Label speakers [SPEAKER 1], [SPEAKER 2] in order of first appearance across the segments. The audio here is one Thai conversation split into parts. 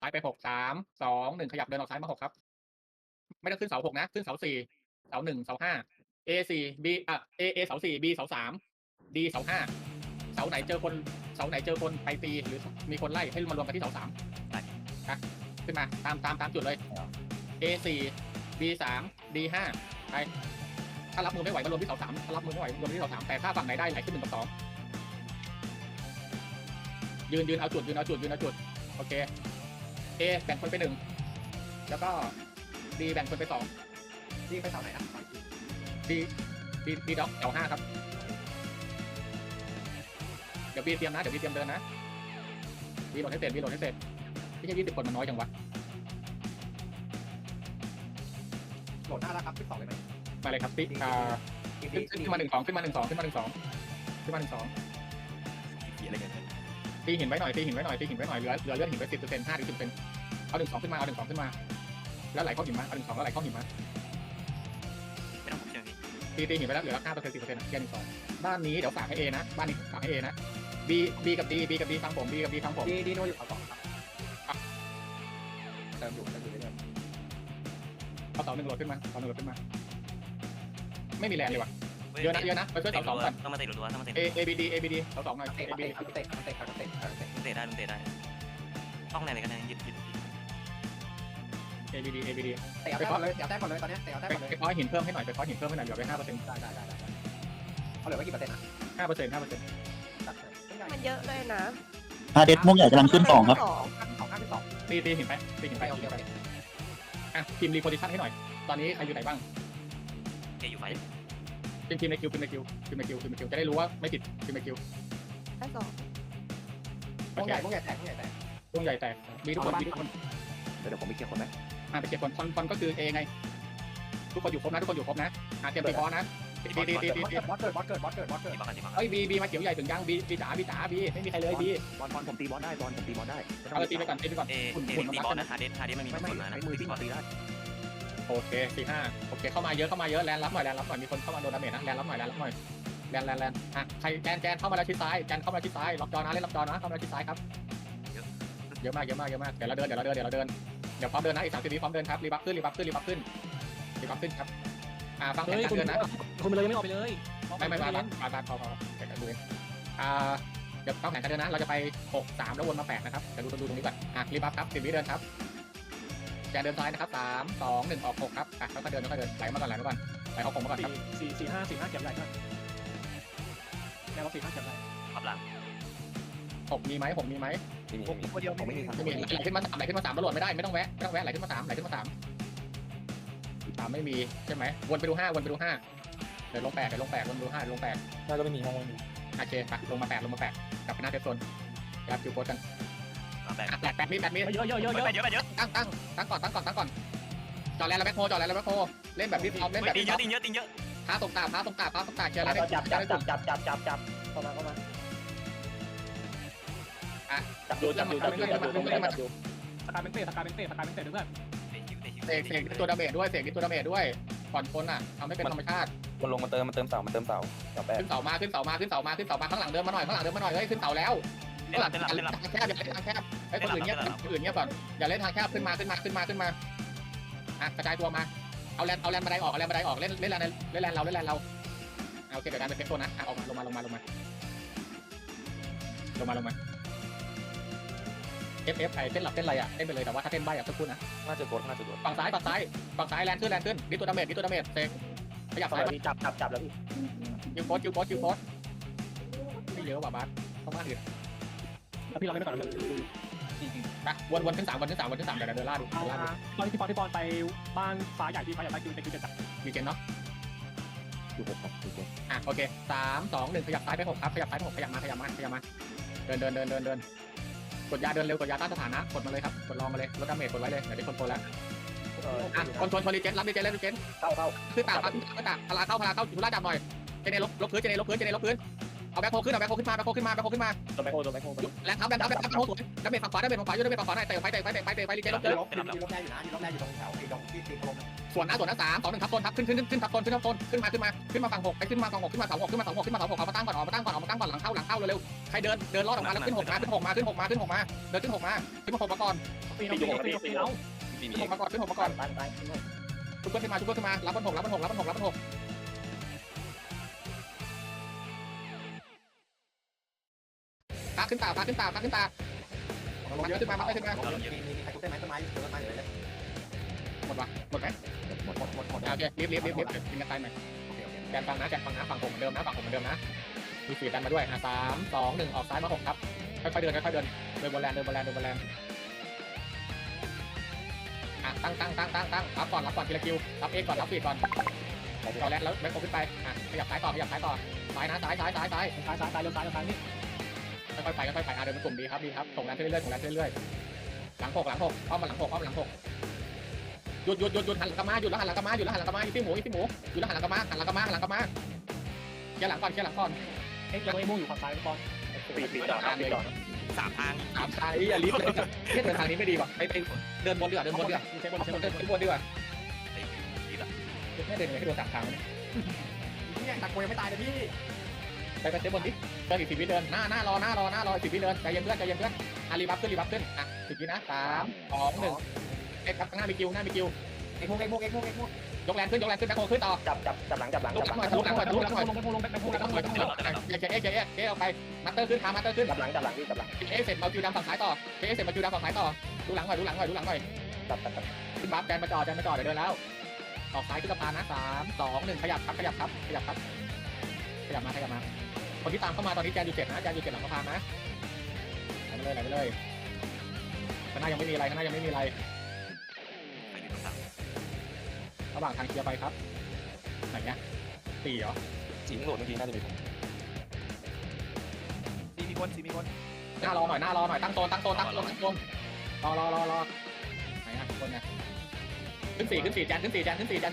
[SPEAKER 1] ซ้ายไป6 3 2 1ขยับเดินออกซ้ายมา6ครับไม่ต้องขึ้นเสา6นะขึ้นเสา4เสา1เสา5 A 4 B A เสา4 B เสา3 D เสา5เสาไหนเจอคนไปตีหรือมีคนไล่ให้มารวมกันที่เสา3นะขึ้นมาตามจุดเลย A 4 B 3 D 5ไปถ้ารับมือไม่ไหวมารวมที่เสา3ถ้ารับมือไม่ไหวรวมที่เสา3แต่ถ้าฝั่งไหนได้ไหลขึ้น1 กับ 2ยืนเอาจุดโอเค A แบ่งคนไป1แล้วก็ D แบ่งคนไป2
[SPEAKER 2] นี่ไปเสาไหนนะ
[SPEAKER 1] D ด็อกเสา5ครับเดี๋ยว B เตรียมนะเดี๋ยว B เตรียมเดินนะ B โหลดให้เสร็จไม่ใช่20 คนมันน้อยจังวะ
[SPEAKER 2] โหลดหน้าแล้วครับขึ้น2เลยไหม
[SPEAKER 1] มาเลยครับขึ้นมา1 2ขึ้นมา1 2ขึ้นมา1 2
[SPEAKER 3] อะไรกัน
[SPEAKER 1] ตีหินไว้หน่อยเหลือเลือดหินไป 10% 5-10%เอา1 2ขึ้นมาแล้วไหลเข้าหินมาเอา1 2แล้วไหลเข้าหินมา
[SPEAKER 3] ไม่ต้องผมใช่ไหม
[SPEAKER 1] ตีหินไปแล้วเหลือ 5% 10%แค่1 2บ้านนี้เดี๋ยวฝากให้ A นะบ้านนี้ฝากให้ A นะ B กับ D ฟังผม B กับ D ฟังผม
[SPEAKER 2] ดีโนอยู่เสา2ครับเติมอยู่เรื่อย
[SPEAKER 1] เอาเสา1โหลดขึ้นมาไม่มีแรงเลยว่ะเยอะนะไปช่วยเสา2ก่อน
[SPEAKER 3] ต้องมาเตะรัวๆต้องมาเตะ
[SPEAKER 1] A B D เสา2หน่อย
[SPEAKER 2] เตะ
[SPEAKER 1] A B D
[SPEAKER 3] เตะได้ต้องแรงเลยกันนะยึด
[SPEAKER 1] A B D
[SPEAKER 2] เตะเอาแต้มก่อนเลยตอนนี้เตะเอาแต้มก่อนเลย
[SPEAKER 1] ไปเคาะหินเพิ่มให้หน่อยเหลือไป 5%
[SPEAKER 2] ได้เอาเหลือไว้กี่เปอร์เซ็นต์อ่ะ
[SPEAKER 1] 5%
[SPEAKER 4] มันเยอะเลยนะ
[SPEAKER 5] เด็ดม่วงใหญ่กำลังขึ้น2ครับ
[SPEAKER 2] 2
[SPEAKER 1] ตีหินไป
[SPEAKER 2] โอเค
[SPEAKER 1] อ่ะทีมรีโพซิชั่นให้หน่อยตอนนี้ใครอยู่ไหนบ้าง
[SPEAKER 3] เกอยู่ไฟ
[SPEAKER 1] ทีมในคิวจะได้รู้ว่าไม่ผิดทีมในคิว
[SPEAKER 4] ได้2
[SPEAKER 2] วงใหญ่แตก
[SPEAKER 1] วงใหญ่แตกมีทุกคน
[SPEAKER 3] เดี๋ยวผมไปเคลียร์คนนะ
[SPEAKER 1] ไปเก็บคนก็คือ A ไงทุกคนอยู่ครบนะเตรียมตีคอนะตี
[SPEAKER 2] บอสเกิด
[SPEAKER 3] ตีบ้ากันตีบ้า
[SPEAKER 1] เอ้ย B มาเขียวใหญ่ถึงยังบีจ๋าไม่มีใครเลย B
[SPEAKER 6] บอลผมตีบอลได้
[SPEAKER 1] เอาเลยตีไปก่อน
[SPEAKER 3] เอตีบอลนะฮาร์ดมันมีคนมานะ
[SPEAKER 6] มือที่ตีได้
[SPEAKER 1] โอเค4-5โอเคเข้ามาเยอะแลนรับหน่อยมีคนเข้ามาโดนดาเมจนะแลนรับหน่อยแลนอ่ะใครแกนเข้ามาแล้วชิดซ้ายล็อกจอนะเล่นล็อกจอนะเข้ามาแล้วชิดซ้ายครับเยอะมากเดี๋ยวเราเดินเดี๋ยวพร้อมเดินนะอีก30 วิพร้อมเดินครับรีบัฟขึ้นครับฟังแผนการเดินนะ
[SPEAKER 7] คนไปเลยไม่ออกไปเลย
[SPEAKER 1] ไม่พอแต่กันดูเองเดี๋ยวฟังแผนการเดินนะเราจะไป6 3แล้ววนมา8นะครับแต่ดูตรงนี้ก่อนรีบัฟครับ10 วิเดินครับแกเดินซ้ายนะครับ3 2 1ออก6ครับแล้วก็เดินไหลมาก่อนไหลเข้าผมมาก่อนครับ
[SPEAKER 7] 4 5เก็บได้ก็แนว4 5เก็บได้
[SPEAKER 3] ขับหลัง
[SPEAKER 1] 6มีไหม
[SPEAKER 7] คนเดียว
[SPEAKER 6] ผมไม่มีครับ
[SPEAKER 1] ไม่มีไหลขึ้นมา3ตำรวจไม่ได้ไม่ต้องแวะไหลขึ้นมา3ไม่มีใช่ไหมวนไปดู5เดี๋ยวลง8วนดู5ลง8
[SPEAKER 7] ได้ก็ไม่มีห้องไม่มี
[SPEAKER 1] โอเคไปลงมา8กลับไปหน้าเซฟโซนครับคิวโค้ดกัน
[SPEAKER 3] แบก
[SPEAKER 1] 8 มี
[SPEAKER 3] เยอะ
[SPEAKER 1] ตั้งก่อนจอดแล้วแบ็คโฮเล่นแบบนี้เอาเล่นแบบ
[SPEAKER 3] ตี
[SPEAKER 1] นี้
[SPEAKER 3] เยอะตีเยอะตีเยอะ
[SPEAKER 1] ท้าตกตาเชียร์อะไร
[SPEAKER 7] จับเข้ามาจับดูสกาเป็นเตะเพื่อน
[SPEAKER 1] เสกตัวดาเมจด้วยก่อนคนทำให้เป็นธรรมชาติ
[SPEAKER 6] คนลงมาเติมเสาจับแปด
[SPEAKER 1] ขึ้นเสามาข้างหลังเดินมาหน่อยเฮ้ยขึ้นเสาแล้ว
[SPEAKER 3] เล่นหลับ
[SPEAKER 1] ทางแคบอย่าเล่นทางแคบไอ้คนอื่นเงียบก่อนอย่าเล่นทางแคบขึ้นมากระจายตัวมาเอาแลนบันไดออกเล่นแลนเราโอเคเดี๋ยวดันไปเซฟโซนนะออกมาลงมาF ไอเต้นหลับเต้นอะไรเต้นไปเลยแต่ว่าถ้าเต้นใบสักพูดนะ
[SPEAKER 6] น่าจะกด
[SPEAKER 1] ฝั่งซ้ายแลนขึ้นดิตัวดาเมจเซกขยับซ้าย
[SPEAKER 7] จับแล้วพี่
[SPEAKER 1] คิวโพสไม่เยอะว่ะบาสเข้ามาดิ
[SPEAKER 7] แล้วพี่เราไม่ก่อน
[SPEAKER 1] ไปวนขึ้น3เดี๋ยวเดินล่าดู
[SPEAKER 7] ตอนที่พี่บอลไปบ้านฟ้าใหญ่ที่ฟ้าใหญ่ไปคิวจะจับ
[SPEAKER 1] มีเกนเนาะ
[SPEAKER 6] อยู่6ครับอยู่6
[SPEAKER 1] โอเค3 2 1ขยับซ้ายไป6ครับขยับมาเดินกดยาเดินเร็วกดยาต้านสถานะกดมาเลยครับกดลองมาเลยลดดาเมจกดไว้เลยเดี๋ยวได้คอนโทรลแล้วคอนโทรลรีเจนรับรีเจน
[SPEAKER 7] เข้า
[SPEAKER 1] คือตาพลาเข้าจุฬาจับหน่อยเจเนลบพื้นเอาแบ็คโฮขึ้นเอาแบ็คโฮขึ้นมาแบ็คโฮขึ้นมาแบ็คโฮขึ้นมา
[SPEAKER 2] ตัวแบ็คโฮตัวแบ็คโฮ
[SPEAKER 1] แรงทับแรงทับแรงทับแบ็คโฮสวยดับเบิลฝั่งขวาดับเบิลฝั่งขวาอยู่ดับเบิลฝั่งขวาหน่อยเตะไปรีเจนลบเจอ
[SPEAKER 2] ล็อกแรกอยู่นะล็อกแรกอยู่ตรงแถวไอ้ตรงที่ตีโคลน
[SPEAKER 1] ส่วนนะ3 2 1ทับโซนทับขึ้นทับโซนขึ้นมาฝั่ง6ไปขึ้นมาฝั่ง6ขึ้นมาเสา6ขึ้นมาเสา6ขึ้นมาเสา6เอามาตั้งก่อนหลังเข้าเร็วๆใครเดินลอดออกมาแล้วขึ้น6มาเดินขึ้น6มาเดินขึ้น6มาก่อน
[SPEAKER 7] ตีเราตีเรา
[SPEAKER 6] มี
[SPEAKER 1] ขึ้น6มาก่อนขึ้น6มาก่อน
[SPEAKER 2] ตาย
[SPEAKER 1] ชุบเพื่อนขึ้นมารับบน6ตาขึ้นตามาขึ้นมาขึ้นมา
[SPEAKER 2] มีใครทุบได้ไหมต้นไม้อยู่เลย
[SPEAKER 1] หมดไหม
[SPEAKER 2] หมด
[SPEAKER 1] โอเครีบกินกันตายหน่อยแจนฟังนะฝั่งผมเหมือนเดิมนะมี4ดันมาด้วย3 2 1ออกซ้ายมา6ครับค่อยๆเดินเดินบนแลนตั้งรับก่อนทีละคิวรับเอก่อนรับฟีดก่อนรอแลนแล้วแบ็คโฮขึ้นไปขยับซ้ายต่อซ้ายนะซ้าย
[SPEAKER 7] ซ้ายเลี้ยวซ้ายนี่
[SPEAKER 1] ค่อยๆไปเดินเป็นกลุ่มดีครับส่งแรงเรื่อยหลัง6อ้อมมาหลัง6หยุดหันหลังกลับมาหยุดแล้วหันหลังกลับมาอีที่หมูหยุดแล้วหันหลังกลับมาเคลียร์หลังก่อน
[SPEAKER 7] เอ็กซ์เราไม่มุ่งอยู่ฝั่งซ้ายก่อน
[SPEAKER 2] ปีต่อ
[SPEAKER 3] 3 ทาง
[SPEAKER 1] อย่ารีบเลยเดินทางนี้ไม่ดีกว่าไปเดินบนดีกว่า
[SPEAKER 7] ใช้บน
[SPEAKER 1] ดีกว่าแค่เดินให้โดน3ทางเลย
[SPEAKER 2] เนี่ยตะโกยังไม่ตายเลยพี่
[SPEAKER 1] ไปเซฟบนดิเดินอีก10 วิเดินหน้ารอ10 วิเดินใจเย็นเพื่อนรีบัฟขึ้น10 วินะ3 2 1เอ็กซ์ครับข้างหน้ามีคิว
[SPEAKER 2] เอ็กโม
[SPEAKER 1] ยกแรงขึ้นแบ็คโฮขึ้นต่อ
[SPEAKER 2] จับหลัง
[SPEAKER 1] ทะลุหลังหน่อย
[SPEAKER 7] ลง
[SPEAKER 1] เอออกไปมาสเตอร์ขึ้น
[SPEAKER 2] จับหลังพี่จับหลัง
[SPEAKER 1] เอเสร็จมาคิวดำฝั่งซ้ายต่อเอเสร็จมาคิวดำฝั่งซ้ายต่อดูหลังหน่อย
[SPEAKER 2] จับ
[SPEAKER 1] ขึ้นบัฟแจนมาจอดเดี๋ยวเดินแล้วออกซ้ายขึ้นสะพานนะ3 2 1ขยับมาคนที่ตามเข้ามาตอนนี้แจนอยู่7นะแจนอยู่7หลังสะพานนะไหลไปเลยข้างหน้ายังไม่มีอะไรระหว่างทางเคลียร์ไปครับไหนเนี่ย4เหรอ
[SPEAKER 6] จีโหลดเมื่อกี้น่าจะมี
[SPEAKER 3] มีคน
[SPEAKER 1] หน้ารอหน่อยตั้งโซนรอไหนฮะคนเนี่ยขึ้น4แจนขึ้น4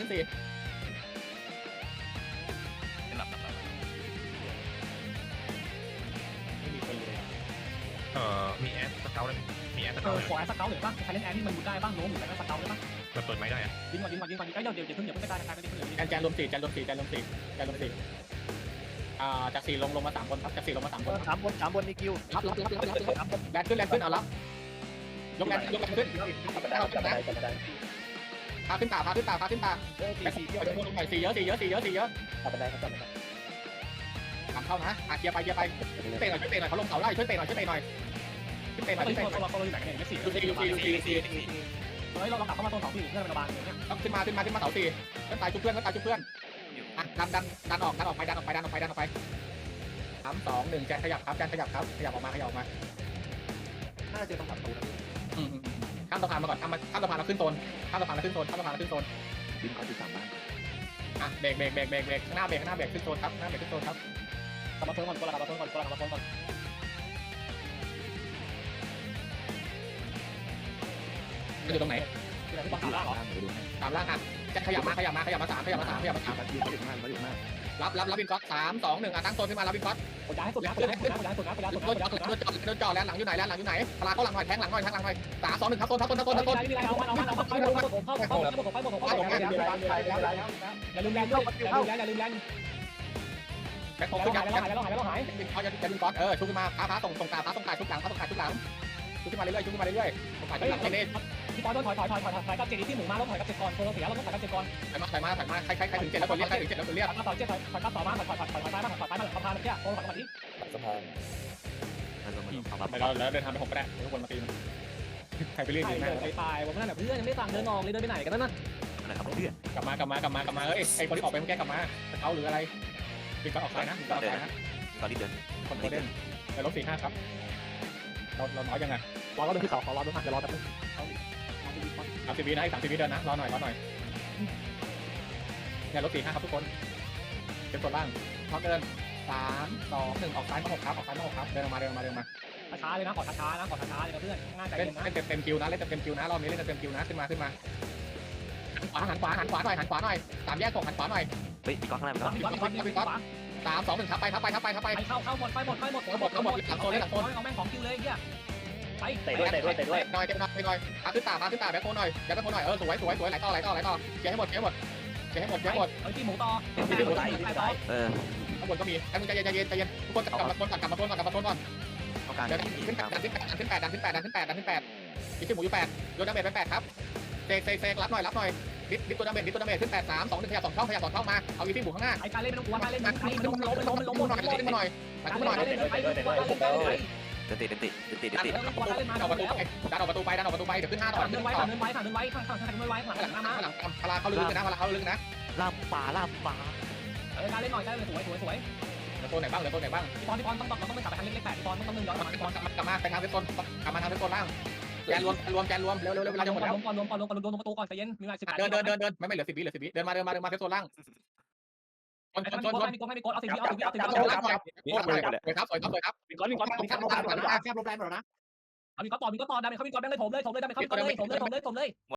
[SPEAKER 1] ไม่มีคนเลย
[SPEAKER 8] มีแอดสเกลเลยมีแอดสเกล
[SPEAKER 7] ขอแอร์สเกลหรือป่ะใครเล่นแอร์ที่มันมุดได้บ้างโน้มหรืออะไรสเกลได้ป่ะ
[SPEAKER 8] มันเปิดไม่ได้อะ
[SPEAKER 7] ยิงก่อนเดี๋ยวเพิ่งไปตายกัน
[SPEAKER 1] แจนรวม4จาก4ลงมา3คนครับจาก4ลงมา3คน
[SPEAKER 6] 3 บนมีคิว
[SPEAKER 1] รับแรงขึ้นเอารับยกแรงขึ้น
[SPEAKER 2] จับได้
[SPEAKER 1] พาขึ้นตาไปลงหน่อย4เยอะ
[SPEAKER 2] จับได้
[SPEAKER 1] ทำเข้านะเคลียร์ไปเตะหน่อยเขาลงเสาไล่ช่วยเตะหน่อย
[SPEAKER 7] เราอยู่ไหนกันเนี่ยไม่สี่เรากลับเข้ามาตรง2ที่เพื่อนเป็นระบาดเนี่ย
[SPEAKER 1] ต้องขึ้นมาเสา4ก็ตายชุบเพื่อนดันออกไป3 2 1แจนขยับออกมา
[SPEAKER 2] น่าจะเจอตรงประตูนะ
[SPEAKER 1] ข้ามสะพานมาก่อนข้ามสะพานแล้วขึ้นโซน
[SPEAKER 6] บินเขาที่3 บ้าน
[SPEAKER 1] เบรกข้างหน้าเบรกขึ้นโซนครับ
[SPEAKER 7] กลับมาเพิ่มก่อน
[SPEAKER 1] อยู่ตรงไหน
[SPEAKER 7] ที่บ้านล่างเหรอ
[SPEAKER 1] ตามล่างจะขยับมา3 รับบินก๊อต3 2 1ตั้งโซนขึ้นมารับบินก๊อต
[SPEAKER 7] ย้ายสุดนะ
[SPEAKER 1] โดนจอดหลังอยู่ไหนปลาเข้าหลังหน่อยแทงหลังหน่อย3 2 1ทับโซน
[SPEAKER 7] อย่าลืมแรง
[SPEAKER 1] แบ็คโฮขึ้นยังเขาจะบินก๊อตชุบขึ้นมาพาส่งกาชุบหลังชุบขึ้นมาเรื่อยๆฝ่ายหลังเล่น
[SPEAKER 7] พี่ปอยโดนถอยกับเจดีที่หมูมาแล้วถอยกับเจก่อนโคโลเสียแล้วต้องถอยกับเจก่อน
[SPEAKER 1] ถอยมาใครถึง7แล้วคนเรียก
[SPEAKER 7] มาต่อเจถอยกับต่อมาถอยซ้ายมาสะพานเนี่ยโคโลถอยกับที่
[SPEAKER 6] สะพาน
[SPEAKER 1] ไปแล้วเดินทางไป6ก็ได้ทุกคนมาตีมันใครไปเรื่อยๆนะ
[SPEAKER 7] ไปตายวันนั้นเพื่อนยังไม่สั่งเดินออกเลยเดินไปไหนกันนั่น
[SPEAKER 3] อะไรครับเพื่อน
[SPEAKER 1] กลับมากเอ้ยไอคนที่ออกไปเมื่อกี้กลับมาเขาหรืออะไรบินก๊อตออกซ้ายนะ
[SPEAKER 3] ตอนนี้เดิน
[SPEAKER 1] คนเล่นแต่รถ4-5ครับเราน้อยยังไง
[SPEAKER 7] รอเราเดินที่2รอดูหักจะรอแป๊บนึง
[SPEAKER 1] 30 วินะ30 วิเดินนะรอหน่อยเนี่ยรถ4-5ครับทุกคนเป็นตัวล่างพอเดิน3 2 1ออกซ้ายมา6ครับเดินมา
[SPEAKER 7] ช้าเลยนะขอช้าเลยนะเพื่อนง่ายใจ
[SPEAKER 1] เล่น
[SPEAKER 7] เย็นนะ
[SPEAKER 1] เต็มคิวนะรอบนี้เล่นเต็มคิวนะขึ้นมาหันขวาหน่อย3 แยกส่งหันขวาหน่อย
[SPEAKER 3] เฮ้ยมีก้อนข้างในมั้ย
[SPEAKER 1] บินก๊อต 3 2 1ทับไป
[SPEAKER 7] ไปเข้าหมดหลังโซนเอาแม่งของคิวเลยเฮียไป
[SPEAKER 2] เตะด้วย
[SPEAKER 1] หน่อยเก็บหน่อยพาขึ้นตาแบ็คโคหน่อยสวยไหลต่อเขียนให้หมด
[SPEAKER 7] เฮ้ยพี่หมูต่อ
[SPEAKER 3] เออ
[SPEAKER 1] ข้างบนก็มีให้มึงใจเย็นทุกคนกลับมาโซนก่อน
[SPEAKER 3] ต้องการ
[SPEAKER 1] เดี๋ยวขึ้น8ดันขึ้น8อีกชื่อหมูอยู่8โยนดาเมจไป8ครับเซกรับหน่อยดิตัวดาเมจขึ้น8 3 2 1ขยับ2ช่องมาเอาอีซี่หมูข้างหน้า
[SPEAKER 7] ไอ้การเล่นไม่ต้องกลัวการเล่น
[SPEAKER 1] มันล้มหน่อยขึ้นมาหน่อย
[SPEAKER 3] เดินติด
[SPEAKER 1] ดันออกประตูไปเดี๋ยวขึ้น5ต่อ
[SPEAKER 7] เดินไว้ข้างหลังมา
[SPEAKER 1] หลังพลาเข้าลึกนะ
[SPEAKER 3] ลาบป่า
[SPEAKER 7] การเล่นหน่อยการเล่นสวย
[SPEAKER 1] เหลือตัวไหนบ้าง
[SPEAKER 7] พี่ปอนต้องไปกลับไปทางเล็กๆ8พี่ปอนต้องย้อนกลับมาพี่ปอน
[SPEAKER 1] กลับมาไปทางเซตโซนกลับมาทางเซตโซนล่างแกนรวมเร็วเวลาจะหมดแล้ว
[SPEAKER 7] ลงก่อนโดนประตูก่อนใจเย็นมีเวลา18
[SPEAKER 1] เดินไม่เหลือ10 วิเดินมาเซตโซนล่างชน
[SPEAKER 7] ไม่มีกดเอา10 วิ
[SPEAKER 1] สวยครับ
[SPEAKER 2] มีก้อน
[SPEAKER 1] แคบลบแรงหมดแล้วนะ
[SPEAKER 7] เอามีก็ต่อดาเมจเขามีก็แบงค์เลยถมเลย
[SPEAKER 3] หม